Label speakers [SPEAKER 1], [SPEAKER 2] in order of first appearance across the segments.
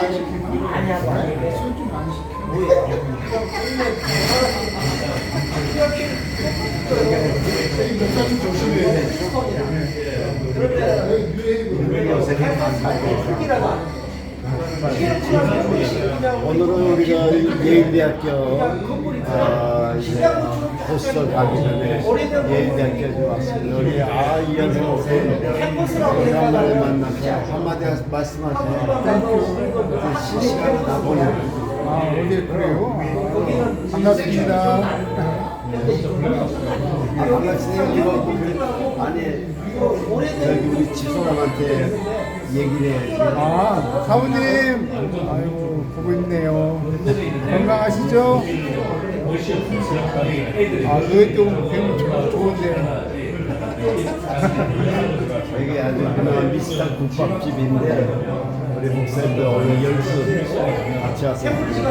[SPEAKER 1] 오늘은 우리가 예일대학교 호스를 가기 전에 예일대학교에 왔습니다. 우리 이현 선생 오랜만에 만나서 한마디 말씀하세요. 실시간 다 보내요.
[SPEAKER 2] 어디 그래요? 반갑습니다.
[SPEAKER 1] 반갑습니다. 아니 저기 우리 집사람한테 얘기를 해야지.
[SPEAKER 2] 사부님, 아이고 보고 있네요. 건강하시죠? 그게 좀 배우면 좋은데.
[SPEAKER 1] 여기 아주 유명한 미스터 국밥집인데 우리 목사님도 오늘 열수 같이 와서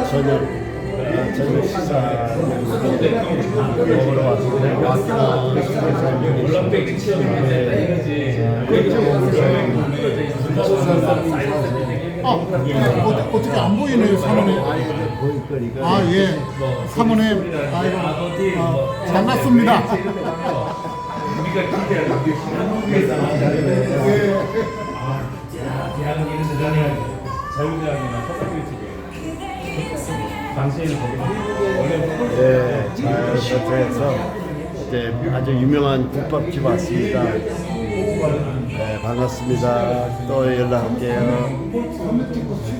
[SPEAKER 1] 저녁 식사 먹으러 왔는데
[SPEAKER 2] 어떻게 안 보이네요, 사모님.
[SPEAKER 1] 보일거리가
[SPEAKER 2] 예. 사모님, 반갑습니다.
[SPEAKER 3] 대학은 이런 데 다녀야지. 자유대학이나 서울대 쪽에. 당시에는 거기
[SPEAKER 1] 잘 거쳐서 이제 아주 유명한 국밥집 왔습니다. 네, 반갑습니다. 또 연락할게요.